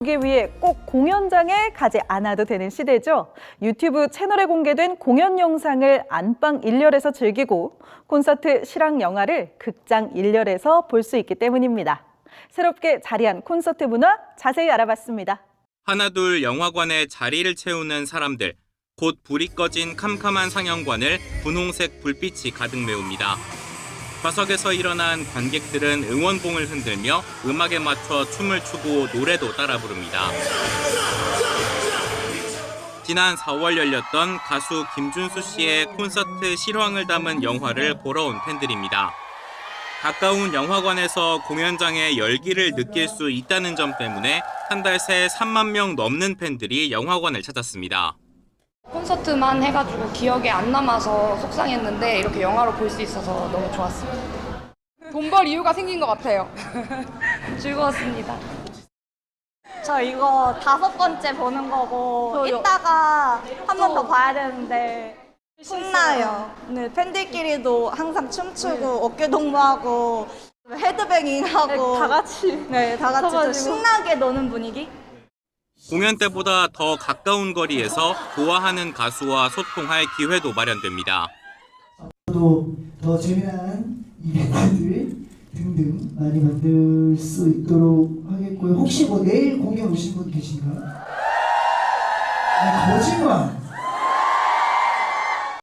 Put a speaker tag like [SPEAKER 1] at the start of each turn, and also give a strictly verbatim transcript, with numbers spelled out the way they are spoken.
[SPEAKER 1] 보기 위해 꼭 공연장에 가지 않아도 되는 시대죠. 유튜브 채널에 공개된 공연 영상을 안방 일렬에서 즐기고 콘서트 실황 영화를 극장 일렬에서 볼 수 있기 때문입니다. 새롭게 자리한 콘서트 문화 자세히 알아봤습니다.
[SPEAKER 2] 하나둘 영화관에 자리를 채우는 사람들, 곧 불이 꺼진 캄캄한 상영관을 분홍색 불빛이 가득 메웁니다. 좌석에서 일어난 관객들은 응원봉을 흔들며 음악에 맞춰 춤을 추고 노래도 따라 부릅니다. 지난 사월 열렸던 가수 김준수 씨의 콘서트 실황을 담은 영화를 보러 온 팬들입니다. 가까운 영화관에서 공연장의 열기를 느낄 수 있다는 점 때문에 한 달 새 삼만 명 넘는 팬들이 영화관을 찾았습니다.
[SPEAKER 3] 콘서트만 해가지고 기억에 안 남아서 속상했는데 이렇게 영화로 볼 수 있어서 너무 좋았습니다.
[SPEAKER 4] 돈 벌 이유가 생긴 것 같아요.
[SPEAKER 3] 즐거웠습니다.
[SPEAKER 5] 저 이거 다섯 번째 보는 거고
[SPEAKER 4] 저요.
[SPEAKER 5] 이따가 한 번 더 봐야 되는데 신나요. 네, 팬들끼리도 항상 춤추고 어깨 동무하고 헤드뱅잉하고
[SPEAKER 4] 다 같이.
[SPEAKER 5] 네, 다 같이 좀
[SPEAKER 4] 서가지고.
[SPEAKER 5] 신나게 노는 분위기?
[SPEAKER 2] 공연 때보다 더 가까운 거리에서 좋아하는 가수와 소통할 기회도 마련됩니다.
[SPEAKER 6] 또 더 재미난 이벤트들 등등 많이 만들 수 있도록 하겠고요. 혹시 뭐 내일 공연 오신 분 계신가요? 아, 거짓말!